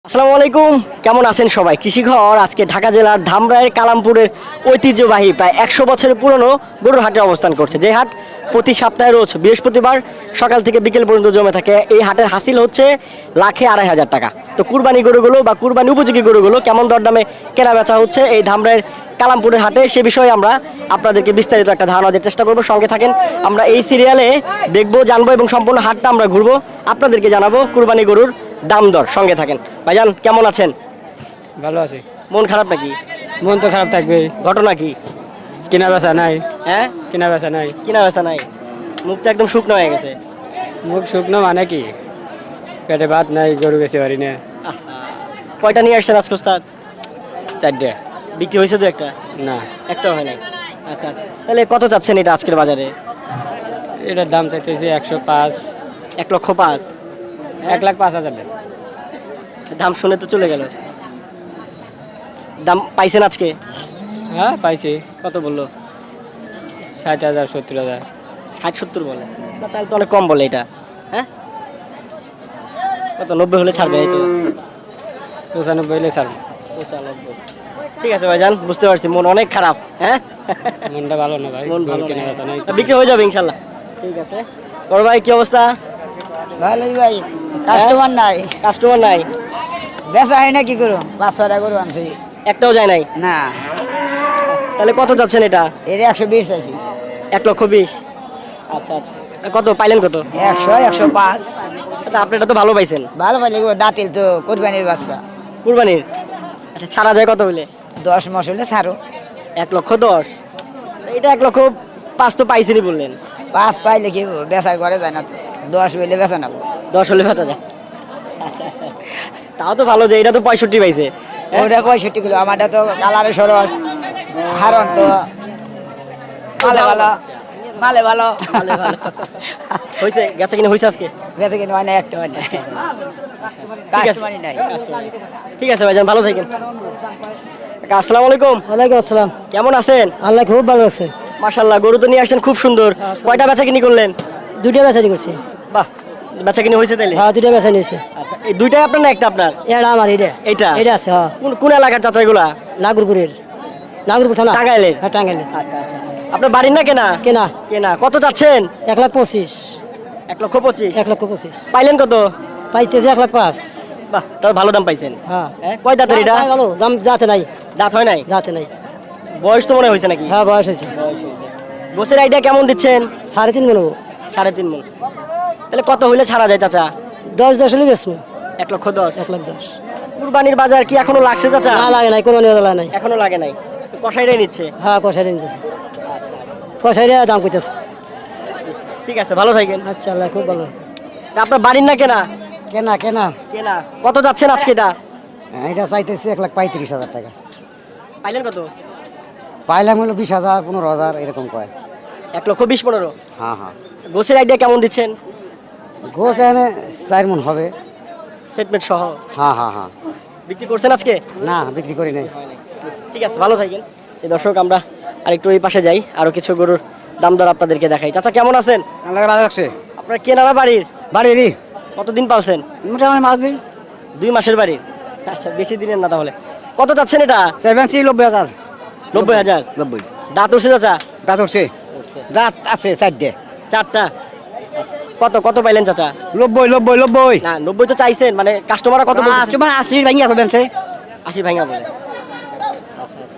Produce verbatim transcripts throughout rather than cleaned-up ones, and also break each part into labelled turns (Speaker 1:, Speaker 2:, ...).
Speaker 1: আসসালামু আলাইকুম, কেমন আছেন সবাই? কৃষিঘর আজকে ঢাকা জেলার ধামরাইয়ের কালামপুরের ঐতিহ্যবাহী প্রায় একশো বছরের পুরনো গরুর হাটে অবস্থান করছে। যে হাট প্রতি সপ্তাহে রোজ বৃহস্পতিবার সকাল থেকে বিকেল পর্যন্ত জমে থাকে। এই হাটের হাসিল হচ্ছে লাখে আড়াই হাজার টাকা। তো কুরবানি গরুগুলো বা কুরবানি উপযোগী গরুগুলো কেমন দরদামে কেনা বেচা হচ্ছে এই ধামরাইয়ের কালামপুরের হাটে, সে বিষয়ে আমরা আপনাদেরকে বিস্তারিত একটা ধারণা দেওয়ার চেষ্টা করবো। সঙ্গে থাকেন, আমরা এই সিরিয়ালে দেখবো, জানবো এবং সম্পূর্ণ হাটটা আমরা ঘুরবো, আপনাদেরকে জানাবো কুরবানি গরুর দাম দর। সঙ্গে থাকেন। ভাইজান কেমন আছেন?
Speaker 2: ভালো আছে।
Speaker 1: মন খারাপ নাকি?
Speaker 2: মন তো খারাপ থাকবে,
Speaker 1: ঘটনা কি?
Speaker 2: কেনা বেচা নাই।
Speaker 1: হ্যাঁ,
Speaker 2: কেনা বেচা নাই,
Speaker 1: কিনা বেচা নাই, মুখটা একদম শুকনো হয়ে গেছে।
Speaker 2: মুখ শুকনো মানে কি, পেটে ভাত নাই, গরু বেচতে পারি না।
Speaker 1: আহা, কয়টা নিয়ে আসছেন আজকে ওস্তাদ?
Speaker 2: চারটে
Speaker 1: বিক্রি হয়েছে দু একটা?
Speaker 2: না,
Speaker 1: একটাও হয় নাই। আচ্ছা আচ্ছা, তাহলে কত চাচ্ছেন এটা আজকের বাজারে?
Speaker 2: এটার দাম চাইতেছি একশো পাঁচ।
Speaker 1: এক লক্ষ পাঁচ?
Speaker 2: এক লাখ পাঁচ হাজার টাকা।
Speaker 1: দাম শুনে তো চলে গেল। দাম পাইছেন আজকে?
Speaker 2: হ্যাঁ পাইছি,
Speaker 1: কত বললো?
Speaker 2: ষাট হাজার সত্তর হাজার।
Speaker 1: ষাট সত্তর বলে না, তাহলে তো অনেক কম বলে এটা। হ্যাঁ, কত নব্বই হলে ছাড়বে এই তো?
Speaker 2: পঁচানব্বই হলে ছাড়বো।
Speaker 1: পঁচানব্বই। ঠিক আছে ভাইজান, বুঝতে পারছি, মন অনেক খারাপ। হ্যাঁ,
Speaker 2: মনটা ভালো না ভাই,
Speaker 1: মন ভালো
Speaker 2: গরু কেনা
Speaker 1: না।
Speaker 2: বেচা নাই।
Speaker 1: বিক্রি হয়ে যাবে ইনশাল্লাহ। ঠিক আছে। বড় ভাই কি অবস্থা?
Speaker 3: ভালোই ভাই, কাস্টমার নাই,
Speaker 1: কাস্টমার নাই?
Speaker 3: বেচা হয় না, কি করো? পাঁচ ছটা গরু আনছি
Speaker 1: একটাও যায় নাই?
Speaker 3: না,
Speaker 1: তাহলে কত যাচ্ছেন এটা?
Speaker 3: এর একশো বিশ চাইছি।
Speaker 1: এক লক্ষ বিশ? আচ্ছা আচ্ছা, কত পাইলেন কত?
Speaker 3: একশো একশো পাঁচ।
Speaker 1: আচ্ছা, আপনি এটা তো ভালো পাইছেন।
Speaker 3: ভালো পাইলে গো, দাঁতিল তো, কোরবানির বাচ্চা।
Speaker 1: কুরবানির? আচ্ছা, ছাড়া যায় কত হইলে?
Speaker 3: দশ মাস হলে ছাড়ো।
Speaker 1: এক লক্ষ দশ? এটা এক লক্ষ পাঁচ তো পাইছেনই বললেন।
Speaker 3: পাঁচ পাইলে কি হবো, বেচার ঘরে যায় না তো। দশ হইলে বেচা নেবো।
Speaker 1: দশ হলে বেচা যায়? আচ্ছা আচ্ছা, তাও তো ভালো যে এটা তো পঁয়ষট্টি পাইছে। হ্যাঁ?
Speaker 3: ওটা পঁয়ষট্টি কিলো, আমারটা তো কালারে সরস, হারন তো মালে ভালো, মালে ভালো।
Speaker 1: ভালো, ভালো। হয়েছে, গেছে কিনা হয়েছে আজকে?
Speaker 3: বেচে কিনে হয় না, একটা হয় না,
Speaker 1: ঠিক আছে।
Speaker 3: কাস্টমারই নাই।
Speaker 1: ঠিক আছে ভাইজান, ভালো থাকেন। কাকা, আসসালামু আলাইকুম।
Speaker 3: ওয়ালাইকুম আসসালাম।
Speaker 1: কেমন আছেন?
Speaker 3: আল্লাহ খুব ভালো আছে।
Speaker 1: মাশাআল্লাহ, গরু তো নিয়ে আসছেন খুব সুন্দর। কয়টা বেচা কিনি করলেন?
Speaker 3: দুইটা বেচারি করছি।
Speaker 1: বাহ, বেচা কিনি হয়েছে তাইলে?
Speaker 3: হ্যাঁ, দুইটা বেচা নিয়েছে।
Speaker 1: আচ্ছা, এই দুইটাই আপনার না একটা আপনার?
Speaker 3: এটা আমার, এটা
Speaker 1: এইটা?
Speaker 3: এটা আছে। হ্যাঁ,
Speaker 1: কোন কোন এলাকার চাচা এগুলা?
Speaker 3: নাগরপুরের, নাগরপুর থানা,
Speaker 1: টাঙ্গাইলের?
Speaker 3: হ্যাঁ টাঙ্গাইলে।
Speaker 1: আচ্ছা আচ্ছা, আপনার বাড়ির না কেনা?
Speaker 3: কেনা
Speaker 1: কেনা। কত চাচ্ছেন?
Speaker 3: এক লাখ পঁচিশ।
Speaker 1: এক লক্ষ পঁচিশ?
Speaker 3: এক লক্ষ পঁচিশ
Speaker 1: পাইলেন কত?
Speaker 3: পাইতেছে এক লাখ পাঁচ।
Speaker 1: বাহ, তাহলে ভালো দাম পাইছেন।
Speaker 3: হ্যাঁ,
Speaker 1: হ্যাঁ, কয় দাঁতের এটা?
Speaker 3: ভালো দাম, যাতে নাই,
Speaker 1: দাঁত হয় নাই?
Speaker 3: যাতে নাই।
Speaker 1: বয়স তো মনে হয়েছে নাকি?
Speaker 3: হ্যাঁ, বয়স হয়েছে।
Speaker 1: গোসের আইডিয়া কেমন দিচ্ছেন?
Speaker 3: সাড়ে তিন মনে,
Speaker 1: সাড়ে তিন মন। তাহলে কত হইলে ছাড়া যায় চাচা?
Speaker 3: দশ দশ হলে বেশি।
Speaker 1: এক লক্ষ দশ?
Speaker 3: এক লাখ দশ।
Speaker 1: কুরবানির বাজার কি এখনো লাগছে চাচা?
Speaker 3: না লাগে নাই, কোনো নিয়ে নাই।
Speaker 1: এখনো লাগে নাই, তো কষাইটাই নিচ্ছে।
Speaker 3: হ্যাঁ, কষাইরে নিতেছে, কষাইরে দাম কইতেছে।
Speaker 1: ঠিক আছে, ভালো থাকেন।
Speaker 3: আচ্ছা, আল্লাহ খুব ভালো।
Speaker 1: তা আপনার বাড়ির না কেনা?
Speaker 3: কেনা কেনা
Speaker 1: কেনা। কত যাচ্ছেন আজকে এটা?
Speaker 3: এটা চাইতেছি এক লাখ পঁয়ত্রিশ হাজার টাকা।
Speaker 1: পাইলেন কত?
Speaker 3: পাইলাম হলো বিশ হাজার পনেরো হাজার এরকম কয়।
Speaker 1: এক লক্ষ বিশ পনেরো?
Speaker 3: হ্যাঁ হ্যাঁ,
Speaker 1: গোসের আইডিয়া কেমন দিচ্ছেন?
Speaker 3: গোছ এনে চার মন হবে।
Speaker 1: সেটমেন্ট সহ?
Speaker 3: হ্যাঁ হ্যাঁ হ্যাঁ।
Speaker 1: বিক্রি করছেন আজকে?
Speaker 3: না, বিক্রি করি নাই।
Speaker 1: ঠিক আছে, ভালো থাকেন। এই দর্শক, আমরা আরেকটু ওই পাশে যাই, আরো কিছু গরুর দাম দর আপনাদেরকে দেখাই। চাচা কেমন আছেন?
Speaker 3: আল্লাহ রাখছে।
Speaker 1: আপনার কেনারা বাড়ির?
Speaker 3: বাড়ি
Speaker 1: কতদিন পালছেন?
Speaker 3: মোটামুটি মাছ দিই।
Speaker 1: দুই মাসের বাড়ির? আচ্ছা, বেশি দিনের না তাহলে। কত চাচ্ছেন এটা?
Speaker 3: সেভেন্সি নব্বই হাজার।
Speaker 1: নব্বই হাজার?
Speaker 3: নব্বই।
Speaker 1: দাঁত উঠছে চাচা?
Speaker 3: গাছ উঠছে, গাছ আছে চারটে।
Speaker 1: চারটা? কত কত পাইলেন চাচা?
Speaker 3: নব্বই নব্বই নব্বই।
Speaker 1: না, নব্বই তো চাইছেন, মানে কাস্টমাররা কত বলছে?
Speaker 3: তোমার আশি ভাঙিয়া করবেন সে।
Speaker 1: আশি ভাঙা বলে? আচ্ছা আচ্ছা,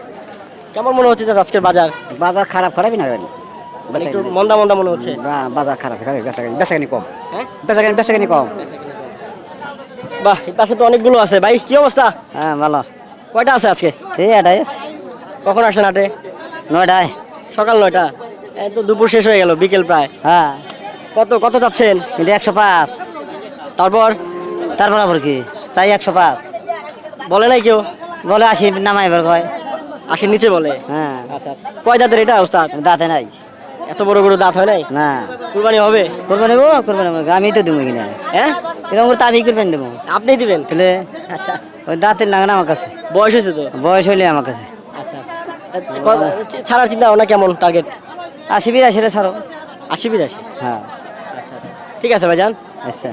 Speaker 1: কেমন মনে হচ্ছে চাচা আজকের বাজার?
Speaker 3: বাজার খারাপ খারাপই না,
Speaker 1: মানে একটু মন্দা মন্দা মনে হচ্ছে?
Speaker 3: বাজার খারাপ খারাপ, বেচাকেনি বেচাকেনি কম।
Speaker 1: হ্যাঁ,
Speaker 3: বেচাকেনি বেচাকেনি কম।
Speaker 1: বাহ, এই পাশে তো অনেকগুলো আছে। ভাই কি অবস্থা?
Speaker 3: হ্যাঁ ভালো।
Speaker 1: কয়টা আছে আজকে?
Speaker 3: এই এটাই
Speaker 1: কখন আসেন হাটে?
Speaker 3: নয়টায়।
Speaker 1: সকাল নয়টা? এই তো দুপুর শেষ হয়ে গেল, বিকেল প্রায়।
Speaker 3: হ্যাঁ,
Speaker 1: কত কত চাচ্ছেন?
Speaker 3: এটা একশো পাঁচ।
Speaker 1: তারপর
Speaker 3: তারপর আবার কি চাই একশো পাঁচ।
Speaker 1: বলে নাই কেউ?
Speaker 3: বলে আশি নামাই এবার কয়।
Speaker 1: আশির নিচে বলে?
Speaker 3: হ্যাঁ,
Speaker 1: আচ্ছা আচ্ছা, কয় দাঁতের এটা ওস্তাদ?
Speaker 3: দাঁতে নাই।
Speaker 1: এত বড় বড় দাঁত হয় নাই?
Speaker 3: না,
Speaker 1: কুরবানি হবে?
Speaker 3: করবো নেবো করবো নেবো, আমি তো দেবো কিনা।
Speaker 1: হ্যাঁ,
Speaker 3: এরকম করে তাবি করবেন দেবো।
Speaker 1: আপনিই দিবেন?
Speaker 3: তাহলে
Speaker 1: আচ্ছা,
Speaker 3: ওই দাঁতের লাগে না আমার কাছে,
Speaker 1: বয়স হয়েছে তো?
Speaker 3: বয়স হইলে আমার কাছে।
Speaker 1: আচ্ছা আচ্ছা, ক- ছাড়ার চিন্তা ভাবনা কেমন, টার্গেট?
Speaker 3: আশি বিরাশি ছাড়ো।
Speaker 1: আশি বিরাশি?
Speaker 3: হ্যাঁ,
Speaker 1: আচ্ছা আচ্ছা, ঠিক আছে ভাইজান।
Speaker 3: আচ্ছা।
Speaker 1: জি।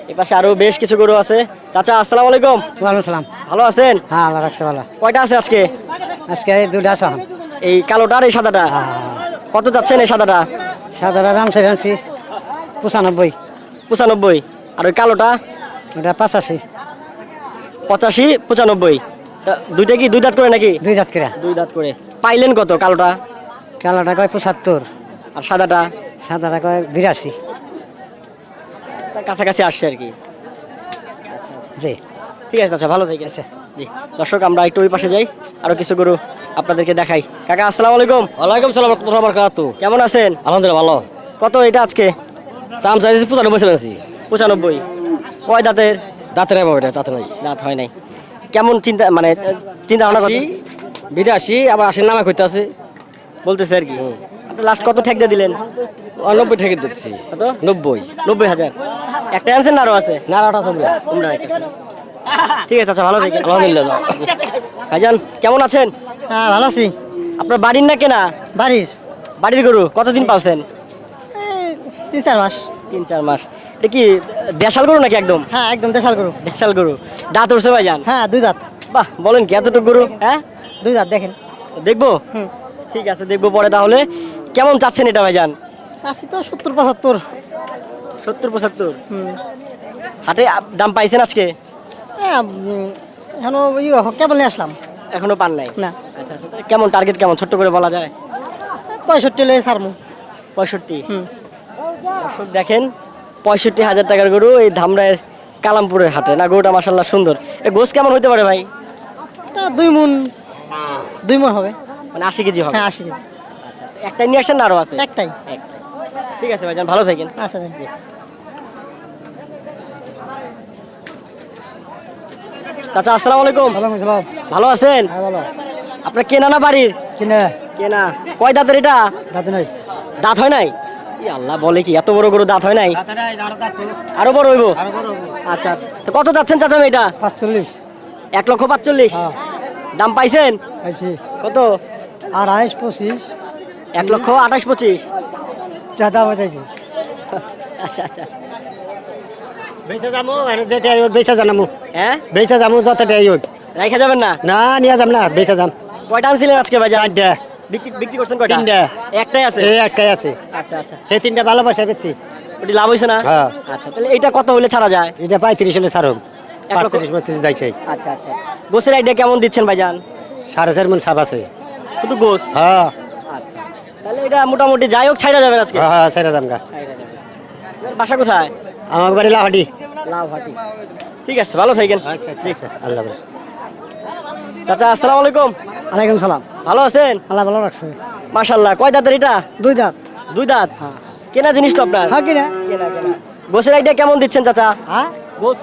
Speaker 1: এই পাশে আরো বেশ কিছু গরু আছে। চাচা আসসালামু আলাইকুম।
Speaker 3: ওয়ালাইকুম সালাম।
Speaker 1: ভালো আছেন?
Speaker 3: হ্যাঁ আল্লাহ রাখছে ভালো।
Speaker 1: কয়টা আছে আজকে?
Speaker 3: আজকে দুটা সহ
Speaker 1: এই কালোটা আর এই সাদাটা কত যাচ্ছেন? এই সাদাটা
Speaker 3: সাদা দাম সেভেন্সি পঁচানব্বই।
Speaker 1: পঁচানব্বই। আর ওই কালোটা
Speaker 3: এটা পাঁচাশি।
Speaker 1: পঁচাশি পঁচানব্বই। তা দুইটা কি দুই দাঁত করে নাকি?
Speaker 3: দুই জাত করে।
Speaker 1: দুই দাঁত করে। পাইলেন কত কালোটা?
Speaker 3: কালোটা কয় পঁচাত্তর।
Speaker 1: আর সাদাটা?
Speaker 3: সাদাটা কয় বিরাশি।
Speaker 1: তার কাছাকাছি আসছে আর কি।
Speaker 3: জি
Speaker 1: ঠিক আছে আচ্ছা, ভালো থেকে আছে। জি দর্শক, আমরা একটু ওই পাশে যাই, আরো কিছু গরু আপনাদেরকে দেখাই। কাকা আসসালামু আলাইকুম।
Speaker 2: ওয়ালাইকুম সালাম রাহমাতুল্লাহি ওয়া বারাকাতুহু।
Speaker 1: কেমন আছেন?
Speaker 2: আলহামদুলিল্লাহ ভালো।
Speaker 1: কত এটা আজকে?
Speaker 2: চাম চাইছি পঁচানব্বই চাইছি।
Speaker 1: পঁচানব্বই। কয় দাঁতের?
Speaker 2: দাঁতের নাই বাবা, এটা দাঁতে নাই।
Speaker 1: দাঁত হয় নাই। কেমন চিন্তা মানে চিন্তা ভাবনা
Speaker 2: আশি,
Speaker 1: করতে
Speaker 2: বিরাশি, আবার আশির নামে কইতে আছে।
Speaker 1: বলতেছে আর কি। আপনি লাস্ট কত ঠেক দিয়ে দিলেন?
Speaker 2: নব্বই ঠেকে দিচ্ছি।
Speaker 1: কত?
Speaker 2: নব্বই।
Speaker 1: নব্বই হাজার। একটা আনছেন না আরো আছে?
Speaker 2: না আটা চলবে।
Speaker 1: তোমরা একটা। ঠিক আছে আচ্ছা, ভালো থেকে।
Speaker 2: আলহামদুলিল্লাহ।
Speaker 1: ভাইজান কেমন আছেন?
Speaker 3: হ্যাঁ ভালো আছি।
Speaker 1: আপনার বাড়ির না কেনা?
Speaker 3: বাড়ির
Speaker 1: বাড়ির গরু কতদিন পালছেন?
Speaker 3: তিন চার মাস।
Speaker 1: তিন চার মাস। এটা কি দেশাল গরু নাকি একদম?
Speaker 3: হ্যাঁ একদম দেশাল গরু।
Speaker 1: দেশাল গরু। দাঁত উঠছে ভাইজান?
Speaker 3: হ্যাঁ দুই দাঁত।
Speaker 1: বাহ, বলেন কি এতটুকু গরু? হ্যাঁ
Speaker 3: দুই দাঁত দেখেন।
Speaker 1: দেখবো?
Speaker 3: হুম।
Speaker 1: ঠিক আছে দেখবো পরে। তাহলে কেমন চাচ্ছেন এটা ভাইজান?
Speaker 3: আশি তো সত্তর পঁচাত্তর।
Speaker 1: সত্তর পঁচাত্তর।
Speaker 3: হুম।
Speaker 1: হাটে আপ- দাম পাইছেন আজকে?
Speaker 3: হ্যাঁ এখন ইয়ে কেবল নিয়ে আসলাম।
Speaker 1: এখনো পান নাই?
Speaker 3: না
Speaker 1: আচ্ছা আচ্ছা, তাহলে কেমন টার্গেট কেমন ছোট্ট করে বলা যায়?
Speaker 3: পঁয়ষট্টি লেগে ছাড়মু।
Speaker 1: পঁয়ষট্টি।
Speaker 3: হুম।
Speaker 1: দর্শক দেখেন, পঁয়ষট্টি হাজার টাকার গরু এই ধামরায়ের কালামপুরের হাটে। না গরুটা মাসাল্লাহ সুন্দর। এ গোস কেমন হতে পারে ভাই?
Speaker 3: এটা দুই মন দুই মন হবে।
Speaker 1: মানে আশি কেজি হবে?
Speaker 3: হ্যাঁ আশি কেজি।
Speaker 1: আচ্ছা আচ্ছা, একটাই নিয়ে আসেন না আরো আছে?
Speaker 3: একটাই।
Speaker 1: একটাই। ঠিক আছে ভাইজান, ভালো থাকেন।
Speaker 3: আচ্ছা
Speaker 1: চাচা আসসালামু আলাইকুম।
Speaker 3: ওয়ালাইকুম সালাম।
Speaker 1: ভালো আছেন?
Speaker 3: হ্যাঁ ভালো।
Speaker 1: আপনার কেনা না বাড়ির?
Speaker 3: কিনে
Speaker 1: কেনা। কয় দাঁতের এটা?
Speaker 3: দাঁত নাই।
Speaker 1: দাঁত হয় নাই? ই আল্লাহ, বলে কি এত বড় গরু দাঁত হয় নাই? আরো বড় হইব? আচ্ছা আচ্ছা, তো কত যাচ্ছেন চাচা এটা?
Speaker 3: পাঁচচল্লিশ।
Speaker 1: এক লক্ষ পাঁচচল্লিশ।
Speaker 3: হ্যাঁ
Speaker 1: দাম পাইছেন
Speaker 3: পাইছি।
Speaker 1: কত?
Speaker 3: আড়াইশ পঁচিশ।
Speaker 1: এক লক্ষ আঠাশ পঁচিশ।
Speaker 3: যা দাম চাইছি।
Speaker 1: আচ্ছা আচ্ছা।
Speaker 4: বেচা যামু আর যেটা আইব বেচা জানামু।
Speaker 1: হ্যাঁ
Speaker 4: বেচা যামু যতটা আইব।
Speaker 1: রাইখা যাবেন না?
Speaker 4: না নিয়া যাম না, বেচা যাম।
Speaker 1: কয়টা আনছিলেন আজকে ভাই?
Speaker 4: চারটা।
Speaker 1: বিক্রি বিক্রি করছেন কয়টা?
Speaker 4: তিনটা।
Speaker 1: একটাই আছে?
Speaker 4: এই একটাই আছে।
Speaker 1: আচ্ছা আচ্ছা,
Speaker 4: এই তিনটা ভালোবাসা বেচছি।
Speaker 1: ওটি লাভ হয়েছে না?
Speaker 4: হ্যাঁ।
Speaker 1: আচ্ছা, তাহলে এটা কত হলে ছাড়া যায়?
Speaker 4: এটা পঁয়ত্রিশ হলে ছাড়ুম।
Speaker 1: এক লক্ষ-
Speaker 4: পঁয়ত্রিশ পঁয়ত্রিশ যাইছে।
Speaker 1: আচ্ছা আচ্ছা, গোসের আইডিয়া কেমন দিচ্ছেন ভাইজান?
Speaker 4: সাড়ে চার মন সাপ আছে।
Speaker 1: শুধু গোস?
Speaker 4: হ্যাঁ
Speaker 1: আচ্ছা, তাহলে এটা মোটামুটি যাই হোক ছাইড়া যাবেন আজকে?
Speaker 4: হ্যাঁ হ্যাঁ ছাইড়া যাম গা।
Speaker 1: ছাইড়া যাবেন। আপনার বাসা কোথায়?
Speaker 4: আমার বাড়ি লাহাটি।
Speaker 1: লাউহাটি। ঠিক আছে, ভালো থাকেন।
Speaker 4: আচ্ছা আচ্ছা আচ্ছা, আল্লাহ হাফেজ।
Speaker 1: চাচা আসসালামু আলাইকুম।
Speaker 3: ওয়ালাইকুম সালাম।
Speaker 1: ভালো আছেন?
Speaker 3: আল্লাহ ভালো রাখছে।
Speaker 1: মাশাআল্লাহ। কয় দাঁতের এটা?
Speaker 3: দুই দাঁত।
Speaker 1: দুই দাঁত। কেনা জিনিস তো আপনার?
Speaker 3: হ্যাঁ কিনা।
Speaker 1: কেনা কেনা। গোসের আইডিয়া কেমন দিচ্ছেন চাচা?
Speaker 3: হ্যাঁ
Speaker 1: গোস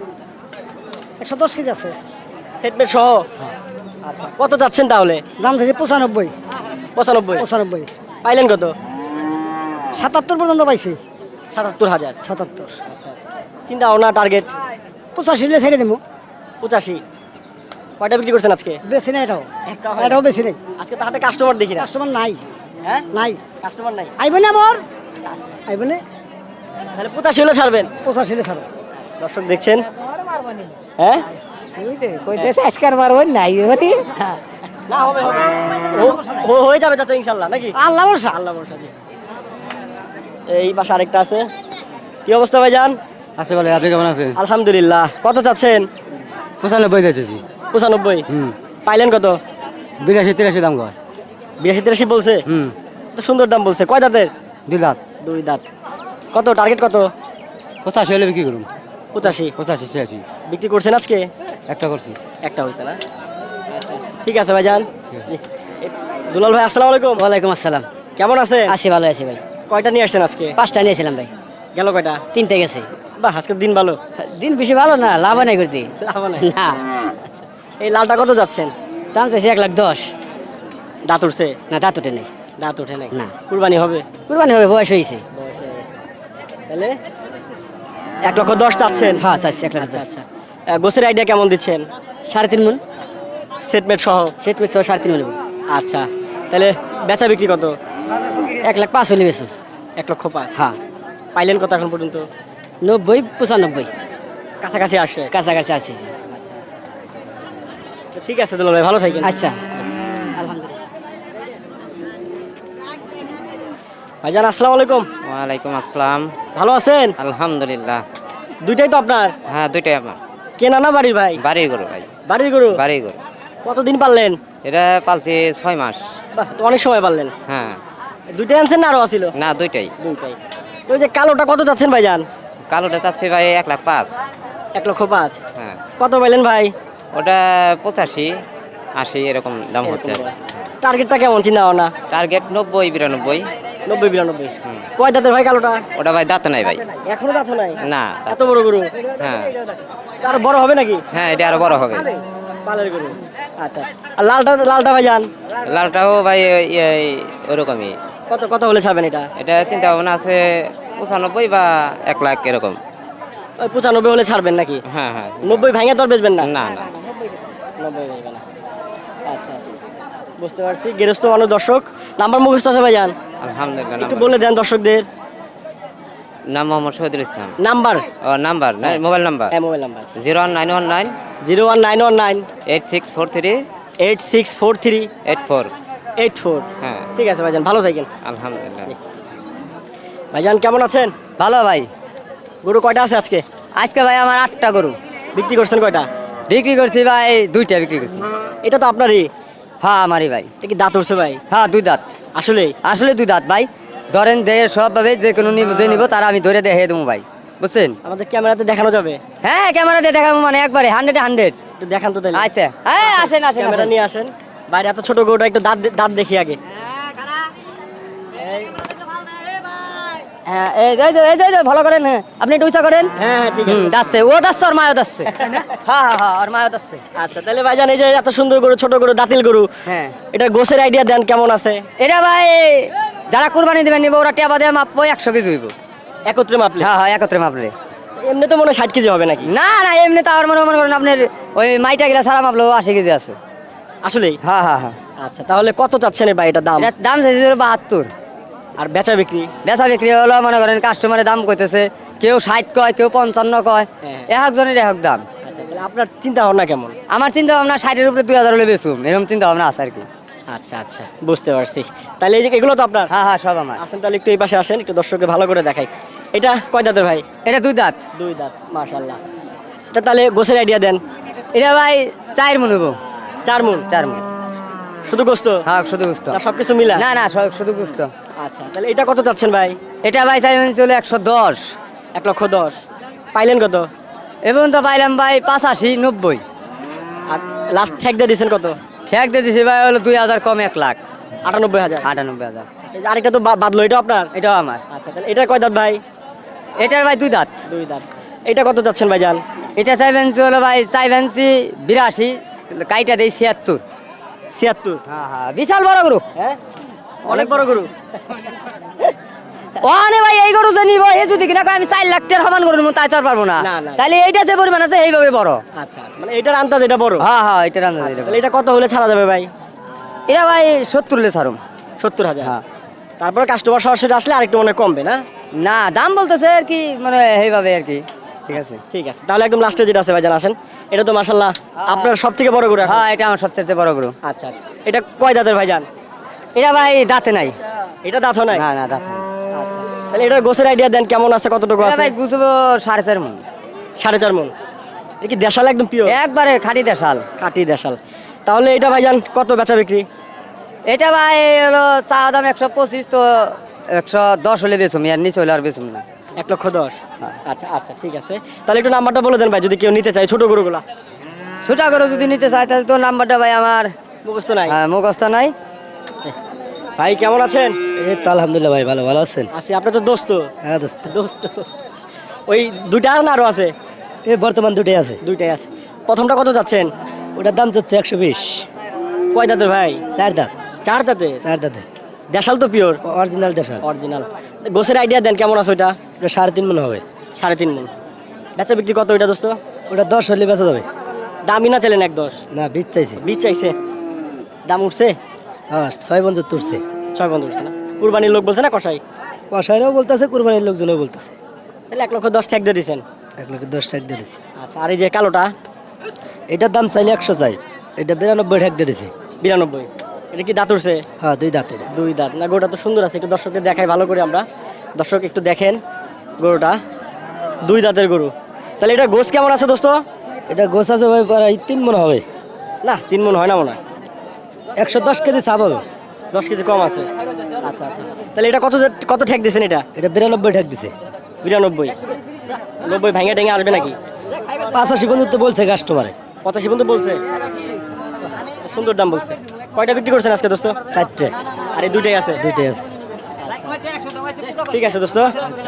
Speaker 3: একশো দশ কেজি আছে।
Speaker 1: সেটমেট সহ? আচ্ছা, কত যাচ্ছেন তাহলে?
Speaker 3: দাম চাইছি পঁচানব্বই।
Speaker 1: পঁচানব্বই।
Speaker 3: পঁচানব্বই।
Speaker 1: পাইলেন কত?
Speaker 3: সাতাত্তর পর্যন্ত পাইছি।
Speaker 1: সাতাত্তর হাজার।
Speaker 3: সাতাত্তর।
Speaker 1: চিন্তা ভাবনা টার্গেট?
Speaker 3: পঁচাশি হলে ছেড়ে দেবো।
Speaker 1: পঁচাশি। কয়টা বিক্রি করছেন আজকে?
Speaker 3: বেশি নেই এটাও।
Speaker 1: একটা হয়?
Speaker 3: এটাও বেশি নেই।
Speaker 1: আজকে তো হাটে কাস্টমার দেখি না।
Speaker 3: কাস্টমার নাই।
Speaker 1: হ্যাঁ,
Speaker 3: নাই।
Speaker 1: কাস্টমার নাই।
Speaker 3: আইব না আবার। আইব না।
Speaker 1: তাহলে পঁচাশি হলে ছাড়বেন?
Speaker 3: পঁচাশি হলে ছাড়ো।
Speaker 1: দর্শক দেখছেন, হ্যাঁ
Speaker 5: কইতেছে আজকার বার হই নাই হতি
Speaker 1: না হবে হবে। ও- ও হয়ে যাবে চাচা ইনশাল্লাহ, নাকি?
Speaker 3: আল্লাহ বর্ষা।
Speaker 1: আল্লাহ ভরসা জি। এই পাশে আরেকটা আছে। কি অবস্থা ভাইজান?
Speaker 2: আছে বলে, আপনি কেমন আছেন?
Speaker 1: আলহামদুলিল্লাহ। কত চাচ্ছেন?
Speaker 2: পঁচানব্বই যাচ্ছি।
Speaker 1: পঁচানব্বই।
Speaker 2: হুম।
Speaker 1: পাইলেন কত?
Speaker 2: বিরাশি তিরাশি দাম কয়।
Speaker 1: বিরাশি তিরাশি বলছে?
Speaker 2: হুম।
Speaker 1: তো সুন্দর দাম বলছে। কয় দাঁতের?
Speaker 2: দুই দাঁত।
Speaker 1: দুই দাঁত। কত টার্গেট কত?
Speaker 2: পঁচাশি হলে বিক্রি করুন।
Speaker 1: পঁচাশি।
Speaker 2: পঁচাশি ছিয়াশি।
Speaker 1: বিক্রি করছেন আজকে?
Speaker 2: একটা করছি।
Speaker 1: একটা হয়েছে না? ঠিক আছে ভাইজান। জি। এ, দুলাল ভাই আসসালামু আলাইকুম।
Speaker 5: ওয়ালাইকুম আসসালাম।
Speaker 1: কেমন আছে?
Speaker 5: আছি ভালো আছি ভাই।
Speaker 1: কয়টা নিয়ে আসছেন আজকে?
Speaker 5: পাঁচটা নিয়েছিলাম ভাই।
Speaker 1: গেল কয়টা?
Speaker 5: তিনটে গেছে।
Speaker 1: বাহ, আজকের দিন ভালো।
Speaker 5: দিন বেশি ভালো না, লাভ নাই করতে।
Speaker 1: লাভ নাই।
Speaker 5: না,
Speaker 1: আচ্ছা, এই লালটা কত যাচ্ছেন?
Speaker 5: দাম চাইছি এক লাখ দশ।
Speaker 1: দাঁত উঠছে?
Speaker 5: না দাঁত উঠে নেই।
Speaker 1: দাঁত উঠে নাই?
Speaker 5: না।
Speaker 1: কুরবানি হবে?
Speaker 5: কুরবানি হবে, বয়স হয়েছে।
Speaker 1: তাহলে এক লক্ষ দশ চাচ্ছেন?
Speaker 5: হ্যাঁ চাইছি এক লাখ
Speaker 1: আচ্ছা
Speaker 5: দশ।
Speaker 1: আচ্ছা। আহ, গোসের আইডিয়া কেমন দিচ্ছেন?
Speaker 5: সাড়ে তিন মন।
Speaker 1: সেটমেট সহ?
Speaker 5: সেট মিট সাড়ে তিন মন।
Speaker 1: আচ্ছা, তাহলে বেচা বিক্রি কত?
Speaker 5: এক লাখ পাঁচ হলে বেশি।
Speaker 1: এক লক্ষ পাঁচ।
Speaker 5: হ্যাঁ
Speaker 1: পাইলেন কত এখন পর্যন্ত?
Speaker 5: নব্বই পঁচানব্বই
Speaker 1: কাছাকাছি আসে।
Speaker 5: কাছাকাছি আসিছি।
Speaker 1: তো ঠিক আছে দুলাল ভাই, ভালো থাকেন।
Speaker 5: আচ্ছা আলহামদুলিল্লাহ।
Speaker 1: ভাইজান আসসালামু আলাইকুম।
Speaker 6: ওয়ালাইকুম আসসালাম।
Speaker 1: ভালো আছেন?
Speaker 6: আলহামদুলিল্লাহ।
Speaker 1: দুইটাই তো আপনার?
Speaker 6: হ্যাঁ দুইটাই আমার।
Speaker 1: কেনা না বাড়ির ভাই?
Speaker 6: বাড়ির গরু ভাই।
Speaker 1: বাড়ির গরু?
Speaker 6: বাড়ির গরু।
Speaker 1: কতদিন পারলেন?
Speaker 6: এটা পালছি ছয় মাস।
Speaker 1: বাহ, তো অনেক সময় পারলেন।
Speaker 6: হ্যাঁ
Speaker 1: দুইটাই আনছেন না আরো আছিল?
Speaker 6: না দুইটাই।
Speaker 1: দুইটাই। তো ওই যে কালোটা কত যাচ্ছেন ভাইজান?
Speaker 6: কালোটা চাচ্ছি ভাই এক লাখ পাঁচ।
Speaker 1: এক লক্ষ পাঁচ।
Speaker 6: হ্যাঁ
Speaker 1: কত পাইলেন ভাই?
Speaker 6: ওটা পঁচাশি আশি এরকম দাম হচ্ছে।
Speaker 1: টার্গেটটা কেমন চিন্তা ভাবনা?
Speaker 6: টার্গেট নব্বই বিরানব্বই।
Speaker 1: নব্বই বিরানব্বই। কয় দাঁতের ভাই কালোটা?
Speaker 6: ওটা ভাই দাঁত নাই ভাই।
Speaker 1: এখনো দাঁত নাই?
Speaker 6: না
Speaker 1: এত বড় গরু?
Speaker 6: হ্যাঁ
Speaker 1: আরো বড় হবে নাকি?
Speaker 6: হ্যাঁ এটা আরো বড় হবে।
Speaker 1: পালের গরু। আচ্ছা, আর লালটা লালটা ভাইজান?
Speaker 6: লালটাও ভাই এই- ওরকমই।
Speaker 1: কত কত হলে ছাড়বেন এটা?
Speaker 6: এটা চিন্তা ভাবনা আছে পঁচানব্বই বা এক লাখ এরকম।
Speaker 1: ওই পঁচানব্বই হলে ছাড়বেন নাকি?
Speaker 6: হ্যাঁ হ্যাঁ।
Speaker 1: নব্বই ভাঙে তো আর বেচবেন না?
Speaker 6: না না
Speaker 1: নব্বই ভাঙবে না। আচ্ছা আচ্ছা, বুঝতে পারছি। গেরস্ত মানুষ দর্শক, নাম্বার মুখস্থ আছে ভাইজান?
Speaker 6: আলহামদুলিল্লাহ।
Speaker 1: একটু
Speaker 6: নাম্বার-
Speaker 1: বলে দেন দর্শকদের।
Speaker 6: নাম মোহাম্মদ শহীদুল ইসলাম।
Speaker 1: নাম্বার?
Speaker 6: ও নাম্বার না মোবাইল নাম্বার
Speaker 1: হ্যাঁ, mobile number
Speaker 6: zero one nine one nine
Speaker 1: zero one nine one nine
Speaker 6: eight six four three
Speaker 1: eight six four three
Speaker 6: eight four.
Speaker 1: Eight four.
Speaker 6: হ্যাঁ
Speaker 1: ঠিক আছে ভাইজান, ভালো থাকেন।
Speaker 6: আলহামদুলিল্লাহ।
Speaker 1: ভাইজান কেমন আছেন?
Speaker 5: ভালো ভাই।
Speaker 1: গরু কয়টা আছে আজকে?
Speaker 5: আজকে ভাই আমার আটটা গরু
Speaker 1: বিক্রি করছেন কয়টা?
Speaker 5: বিক্রি করছি ভাই, দুইটা বিক্রি করছি।
Speaker 1: এটা তো আপনারই?
Speaker 5: হ্যাঁ আমারই ভাই।
Speaker 1: এটা কি দাঁত উঠছে ভাই?
Speaker 5: হ্যাঁ দুই দাঁত।
Speaker 1: আসলে?
Speaker 5: আসলে দুই দাঁত ভাই। ধরেন দেহে সব ভাবে যে কোনো নিব যে নিব তারা আমি ধরে দেখে দেবো ভাই, বুঝছেন?
Speaker 1: আমাদের ক্যামেরাতে দেখানো যাবে?
Speaker 5: হ্যাঁ ক্যামেরাতে দেখাবো, মানে একবারে হান্ড্রেড হান্ড্রেড।
Speaker 1: একটু দেখান তো তাহলে।
Speaker 5: আচ্ছা হ্যাঁ আসেন আসেন
Speaker 1: ক্যামেরা
Speaker 5: আসেন।
Speaker 1: নিয়ে আসেন। বাইরে এত ছোট গরুটা, একটু দাঁত দাঁত দেখি আগে।
Speaker 5: হ্যাঁ এই যে এই যে এই যে, এই যে, ভালো করেন। হ্যাঁ আপনি একটু উঁচা করেন।
Speaker 1: হ্যাঁ হ্যাঁ, ঠিক
Speaker 5: হুম
Speaker 1: আছে।
Speaker 5: যাচ্ছে, ও যাচ্ছে আর মায়ও যাচ্ছে। হ্যাঁ হ্যাঁ হ্যাঁ আর মায়ও যাচ্ছে।
Speaker 1: আচ্ছা, তাহলে ভাইজান এই যে এত সুন্দর গরু, ছোট গরু, দাঁতিল গরু,
Speaker 5: হ্যাঁ
Speaker 1: এটা গোছের আইডিয়া দেন কেমন আছে?
Speaker 5: এটা ভাই যারা কুরবানি দেবেন নিব ওরা টিয়া বাদে মাপবো একশো কেজি হইব।
Speaker 1: একত্রে মাপলে?
Speaker 5: হ্যাঁ হ্যাঁ একত্রে মাপলে।
Speaker 1: এমনি তো মনে হয় ষাট কেজি হবে নাকি?
Speaker 5: না না এমনি তো আমার মনে মনে করেন আপনার ওই মাইটা গেলা সারা মাপলো আশি কেজি আছে।
Speaker 1: আসলেই?
Speaker 5: হ্যাঁ হ্যাঁ হ্যাঁ।
Speaker 1: আচ্ছা, তাহলে কত চাচ্ছেন ভাই এটা দাম?
Speaker 5: এটার দাম চাইছে বাহাত্তর।
Speaker 1: আর বেচা বিক্রি?
Speaker 5: বেচা বিক্রি হলো মনে করেন কাস্টমারের দাম কইতেছে, কেউ ষাট কয় কেউ পঞ্চান্ন কয়,
Speaker 1: হ্যাঁ।
Speaker 5: এক একজনের এক এক দাম।
Speaker 1: আচ্ছা, তাহলে আপনার চিন্তা ভাবনা কেমন?
Speaker 5: আমার চিন্তা ভাবনা ষাটের উপরে দুই হাজার হলে বেচুম, এরকম চিন্তা ভাবনা আছে আর কি।
Speaker 1: আচ্ছা আচ্ছা, বুঝতে পারছি। তাহলে এই যে এগুলো তো আপনার?
Speaker 5: হ্যাঁ হ্যাঁ সব আমার।
Speaker 1: আসেন তাহলে একটু এই পাশে আসেন, একটু দর্শককে ভালো করে দেখাই। এটা কয় দাঁতের ভাই?
Speaker 5: এটা দুই দাঁত।
Speaker 1: দুই দাঁত, মাশাআল্লাহ। এটা তাহলে গোছের আইডিয়া দেন।
Speaker 5: এটা ভাই চার মন হইব।
Speaker 1: চার মন?
Speaker 5: চার মন
Speaker 1: শুধু গোস্ত?
Speaker 5: হ্যাঁ শুধু বুঝতো
Speaker 1: না সবকিছু মিলা?
Speaker 5: না না সব শুধু বুঝতো।
Speaker 1: আচ্ছা, তাহলে এটা কত চাচ্ছেন ভাই?
Speaker 5: এটা ভাই চাইবেন চলে একশো দশ।
Speaker 1: এক লক্ষ দশ। পাইলেন কত?
Speaker 5: এবং তো পাইলাম ভাই পাঁচাশি নব্বই।
Speaker 1: আর লাস্ট ঠেক দিয়ে দিয়েছেন কত?
Speaker 5: ঠেক দিয়ে দিছি ভাই হলো দুই হাজার কম এক লাখ
Speaker 1: আটানব্বই হাজার।
Speaker 5: আটানব্বই হাজার।
Speaker 1: আচ্ছা, এই যে আরেকটা তো বা- বাদলো, এটা আপনার?
Speaker 5: এটাও আমার।
Speaker 1: আচ্ছা, তাহলে এটা কয় দাঁত ভাই?
Speaker 5: এটার ভাই দুই দাঁত।
Speaker 1: দুই দাঁত। এটা কত চাচ্ছেন ভাই জান?
Speaker 5: এটা চাইবেন হলো ভাই চাইবেন বিরাশি, কাইটা দেই ছিয়াত্তর।
Speaker 1: ছিয়াত্তর?
Speaker 5: হ্যাঁ হ্যাঁ বিশাল বড় গরু।
Speaker 1: হ্যাঁ, অনেক বড় গরু।
Speaker 5: ওখানে ভাই এই গরু যে নিব এ যদি কিনা কয় আমি চার লাখ টাকার সমান গরু নিবো তাই তো আর পারবো না।
Speaker 1: না, না।
Speaker 5: তাহলে এইটা যে পরিমাণ আছে এইভাবে বড়।
Speaker 1: আচ্ছা, মানে এটার আন্দাজ এটা বড়?
Speaker 5: হ্যাঁ হ্যাঁ এটা রান্না
Speaker 1: আচ্ছা, তাহলে এটা কত হলে ছাড়া যাবে ভাই?
Speaker 5: এটা ভাই সত্তর হলে ছাড়ুম।
Speaker 1: সত্তর হাজার?
Speaker 5: হ্যাঁ।
Speaker 1: তারপরে কাস্টমার সরাসরি আসলে আরেকটু মনে হয় কমবে না?
Speaker 5: না দাম বলতেছে আর কি মানে এইভাবে আর কি। ঠিক আছে
Speaker 1: ঠিক আছে, তাহলে একদম লাস্টে যেটা আছে ভাইজান আসেন। এটা তো মাশাআল্লাহ আপনার সব থেকে বড় গরু এখন।
Speaker 5: হ্যাঁ এটা আমার সবচেয়ে বড় গরু।
Speaker 1: আচ্ছা আচ্ছা, এটা কয় দাঁতের ভাইজান?
Speaker 5: এটা ভাই দাঁতে নাই।
Speaker 1: এটা দাঁত হয় নাই?
Speaker 5: না না দাঁতে নাই।
Speaker 1: আচ্ছা, তাহলে এটার গোছের আইডিয়া দেন কেমন আছে, কতটুকু
Speaker 5: এটা
Speaker 1: আছে?
Speaker 5: ভাই বুঝবো সাড়ে চার মন।
Speaker 1: সাড়ে চার মন? এটা কি দেশাল একদম পিওর?
Speaker 5: একবারে খাঁটি দেশাল।
Speaker 1: কাটি দেশাল। তাহলে এটা ভাইজান কত বেচা বিক্রি?
Speaker 5: এটা ভাই হলো চা দাম একশো পঁচিশ, তো একশো দশ হলে বেচুম, আর নিচে হলে আর বেচুম না।
Speaker 1: এক লক্ষ দশ? আচ্ছা আচ্ছা, ঠিক আছে। তাহলে একটু নাম্বারটা বলে দেন ভাই, যদি কেউ নিতে চায় ছোট গরুগুলা।
Speaker 5: ছোটা গরু যদি নিতে চাই তাহলে তো নাম্বারটা ভাই আমার
Speaker 1: মুখস্থ নাই?
Speaker 5: হ্যাঁ, মুখস্থ নাই।
Speaker 1: ভাই কেমন আছেন?
Speaker 3: এই তো আলহামদুলিল্লাহ ভাই, ভালো ভালো আছেন?
Speaker 1: আছি। আপনার তো দোস্ত?
Speaker 3: হ্যাঁ দোস্ত।
Speaker 1: দোস্ত ওই দুইটা আর না আরো আছে?
Speaker 3: এই বর্তমান দুটোই আছে।
Speaker 1: দুইটাই আছে। প্রথমটা কত যাচ্ছেন?
Speaker 3: ওটার দাম চাচ্ছে একশো বিশ।
Speaker 1: কয় দাঁতের ভাই?
Speaker 3: চার দাঁত।
Speaker 1: চার দাঁতে?
Speaker 3: চার দাঁতের
Speaker 1: দেশাল তো পিওর?
Speaker 3: অরিজিনাল দেশাল।
Speaker 1: অরিজিনাল। গোছের আইডিয়া দেন কেমন আছে ওইটা?
Speaker 3: ওটা সাড়ে তিন মন হবে।
Speaker 1: সাড়ে তিন মন। বেচা বিক্রি কত ওইটা দোস্ত?
Speaker 3: ওটা দশ হলে বেচা যাবে।
Speaker 1: দামই না চাইলেন এক দশ?
Speaker 3: না বীজ চাইছে।
Speaker 1: বীজ চাইছে? দাম উঠছে?
Speaker 3: হ্যাঁ ছয় বন্ধু তুলছে।
Speaker 1: ছয় বন্ধ উঠছে না? কুরবানির লোক বলছে না কষাই?
Speaker 3: কষাইরাও বলতেছে, কুরবানির লোকজনও বলতেছে।
Speaker 1: তাহলে এক লক্ষ দশ ঠেক দিয়ে দিচ্ছেন।
Speaker 3: এক লক্ষ দশ টাকা দিয়ে দিছি।
Speaker 1: আচ্ছা, আর এই যে কালোটা
Speaker 3: এটার দাম চাইলে একশো চাই, এটা বিরানব্বই টাকা দিয়ে দিছি।
Speaker 1: বিরানব্বই, এটা কি দাঁত উঠছে?
Speaker 3: হ্যাঁ দুই দাঁত এটা।
Speaker 1: দুই দাঁত না, গরুটা তো সুন্দর আছে, একটু দর্শককে দেখাই ভালো করে আমরা। দর্শক একটু দেখেন গরুটা, দুই দাঁতের গরু। তাহলে এটা গোস কেমন আছে দোস্ত?
Speaker 3: এটা গোছ আছে ভাই প্রায় তিন মন হবে।
Speaker 1: না, তিন মন হয় না মনে হয়,
Speaker 3: একশো দশ কেজি চাপ হবে।
Speaker 1: দশ কেজি কম আছে। আচ্ছা আচ্ছা, তাহলে এটা কত কত ঠেক দিয়েছেন? এটা
Speaker 3: এটা বিরানব্বই টাকা দিছে।
Speaker 1: বিরানব্বই, নব্বই ভেঙে টেঙে আসবে নাকি?
Speaker 3: পাঁচাশি পর্যন্ত বলছে কাস্টমারে।
Speaker 1: পঁচাশি পর্যন্ত বলছে, সুন্দর দাম বলছে। কয়টা বিক্রি করছেন আজকে দোস্ত?
Speaker 3: চারটে।
Speaker 1: আর এই দুইটাই আছে?
Speaker 3: দুইটাই আছে।
Speaker 1: ঠিক আছে দোস্ত।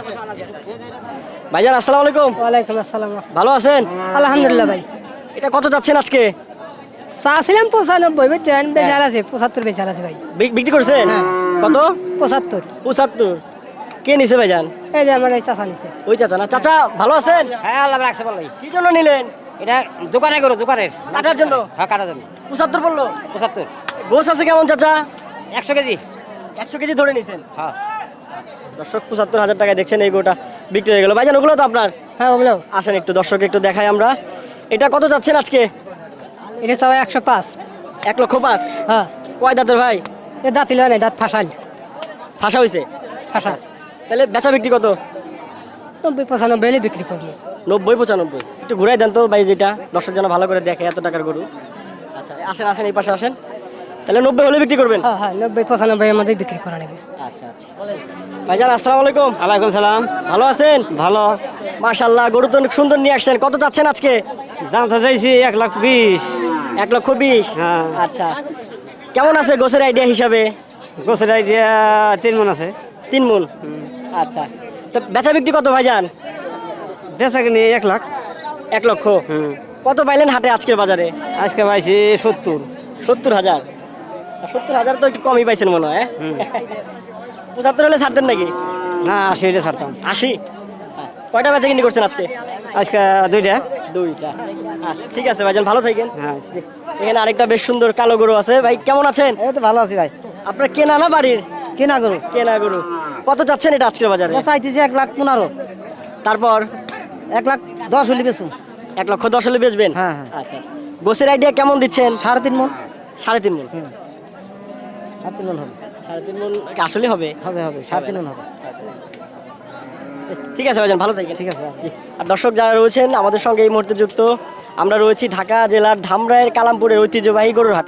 Speaker 1: ভাইজান আসসালামু আলাইকুম।
Speaker 5: ওয়ালাইকুম আসসালাম।
Speaker 1: ভালো আছেন?
Speaker 5: আলহামদুলিল্লাহ ভাই।
Speaker 1: এটা কত যাচ্ছেন আজকে?
Speaker 5: চাচ্ছিলাম পঁচানব্বই, বুঝছেন, বেচার আছে পঁচাত্তর, বেচার আছে ভাই।
Speaker 1: বিক- বিক্রি করছেন কত?
Speaker 5: পঁচাত্তর।
Speaker 1: পঁচাত্তর। কে নিছে ভাইজান?
Speaker 5: এই যে আমার এই চাচা নিছে।
Speaker 1: ওই চাচা না? চাচা ভালো আছেন?
Speaker 6: হ্যাঁ আল্লাহ রাখছে ভালোই।
Speaker 1: কি জন্য নিলেন?
Speaker 6: এটা দোকানে করো, দোকানের
Speaker 1: কাটার জন্য?
Speaker 6: হ্যাঁ কাটার জন্য।
Speaker 1: পঁচাত্তর বললো।
Speaker 6: পঁচাত্তর,
Speaker 1: গোস আছে কেমন চাচা?
Speaker 6: একশো কেজি।
Speaker 1: একশো কেজি ধরে নিছেন।
Speaker 6: হ্যাঁ
Speaker 1: দর্শক পঁচাত্তর হাজার টাকায় দেখছেন এই গোটা বিক্রি হয়ে গেল। ভাইজান ওগুলো তো আপনার?
Speaker 5: হ্যাঁ ওগুলো।
Speaker 1: আসেন একটু দর্শক একটু দেখাই আমরা। এটা কত যাচ্ছেন আজকে?
Speaker 5: এটা সবাই একশো পাঁচ।
Speaker 1: এক লক্ষ পাঁচ।
Speaker 5: হ্যাঁ,
Speaker 1: কয় দাঁতের ভাই?
Speaker 5: এটা দাঁত ইলা নাই, দাঁত ফাঁসাল।
Speaker 1: ফাঁসা হয়েছে?
Speaker 5: ফাঁসা।
Speaker 1: তাহলে বেচা বিক্রি কত?
Speaker 5: নব্বই পঁচানব্বই হলে বিক্রি করবো।
Speaker 1: নব্বই পঁচানব্বই। একটু ঘুরাই দেন তো ভাই, যেটা দর্শক যেন ভালো করে দেখে এত টাকার গরু। আচ্ছা আসেন আসেন, এই পাশে আসেন। তাহলে নব্বই হলে বিক্রি করবেন?
Speaker 5: হ্যাঁ হ্যাঁ, নব্বই পঁচানব্বই এর মধ্যে বিক্রি করা নেবে।
Speaker 1: আচ্ছা আচ্ছা। ভাইজান আসসালামু আলাইকুম।
Speaker 6: ওয়ালাইকুম সালাম।
Speaker 1: ভালো আছেন?
Speaker 6: ভালো।
Speaker 1: মাশাআল্লাহ, গরু তো অনেক সুন্দর নিয়ে আসছেন। কত চাচ্ছেন আজকে?
Speaker 6: দাম তো চাইছি এক লাখ বিশ।
Speaker 1: এক লক্ষ বিশ।
Speaker 6: হ্যাঁ।
Speaker 1: আচ্ছা, কেমন আছে গোছের আইডিয়া হিসাবে?
Speaker 6: গোছের আইডিয়া তিন মন আছে।
Speaker 1: তিন মন। আচ্ছা, তো বেচা বিক্রি কত ভাইজান?
Speaker 6: বেচা কিনি এক লাখ।
Speaker 1: এক লক্ষ।
Speaker 6: হুম।
Speaker 1: কত পাইলেন হাটে আজকের বাজারে?
Speaker 6: আজকে পাইছি সত্তর।
Speaker 1: সত্তর হাজার। সত্তর হাজার তো একটু কমই পাইছেন মনে হয়।
Speaker 6: হুম।
Speaker 1: পঁচাত্তর হলে ছাড়তেন নাকি?
Speaker 6: না আশি এটা ছাড়তাম।
Speaker 1: আশি। কয়টা বেচা কিনি করছেন আজকে?
Speaker 6: আজকে দুইটা।
Speaker 1: দুইটা। আচ্ছা ঠিক আছে ভাইজান, ভালো থাকেন।
Speaker 6: হ্যাঁ।
Speaker 1: এখানে আরেকটা বেশ সুন্দর কালো গরু আছে। ভাই কেমন আছেন?
Speaker 3: এই তো ভালো আছি ভাই।
Speaker 1: আপনার কেনা না বাড়ির?
Speaker 3: কেনা গরু
Speaker 1: কেনা গরু। কত চাচ্ছেন এটা আজকের বাজারে?
Speaker 3: চাইতেছি এক লাখ পনেরো।
Speaker 1: তারপর
Speaker 3: এক লাখ দশ হলে বেচুন।
Speaker 1: এক লক্ষ দশ হলে বেচবেন?
Speaker 3: হ্যাঁ, হ্যাঁ।
Speaker 1: আচ্ছা আচ্ছা। গোছের আইডিয়া কেমন দিচ্ছেন?
Speaker 3: সাড়ে তিন মন।
Speaker 1: সাড়ে তিন মন।
Speaker 3: সাড়ে তিন মন হবে।
Speaker 1: সাড়ে তিন মন কি আসলে হবে?
Speaker 3: হবে হবে সাড়ে তিন মন হবে।
Speaker 1: ঠিক আছে ভাইজান, ভালো থাকেন।
Speaker 3: ঠিক আছে।
Speaker 1: জি। আর দর্শক যারা রয়েছেন আমাদের সঙ্গে এই মুহূর্তে যুক্ত, আমরা রয়েছি ঢাকা জেলার ধামরাইয়ের কালামপুরের ঐতিহ্যবাহী গরুর হাট।